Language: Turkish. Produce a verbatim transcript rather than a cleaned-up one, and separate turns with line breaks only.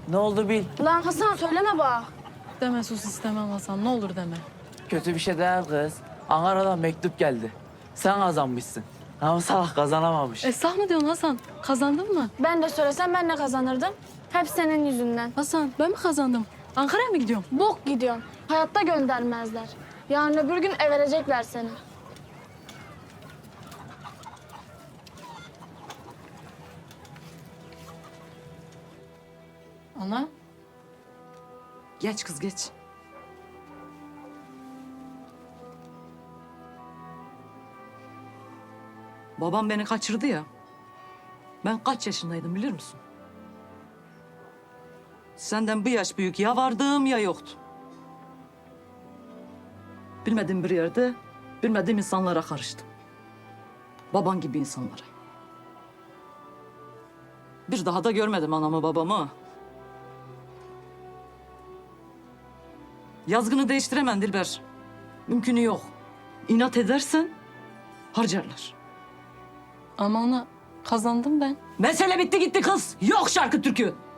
Ne oldu bil.
Lan Hasan söyleme bak.
Deme sus istemem Hasan, ne olur deme.
Kötü bir şey değil kız. Ankara'dan mektup geldi. Sen kazanmışsın. Ama salak kazanamamış.
Esah mı diyorsun Hasan? Kazandın mı?
Ben de söylesem ben de kazanırdım. Hep senin yüzünden.
Hasan ben mi kazandım? Ankara'ya mı gidiyorum?
Bok gidiyorsun. Hayatta göndermezler. Yarın öbür gün ev verecekler seni.
Ana.
Geç kız geç. Babam beni kaçırdı ya. Ben kaç yaşındaydım bilir misin? Senden bir yaş büyük ya vardım ya yoktum. Bilmediğim bir yerde bilmediğim insanlara karıştım. Baban gibi insanlara. Bir daha da görmedim anamı babamı. Yazgını değiştiremem Dilber. Mümkünü yok. İnat edersen harcarlar.
Ama ana kazandım ben.
Mesele bitti gitti kız. Yok şarkı türkü.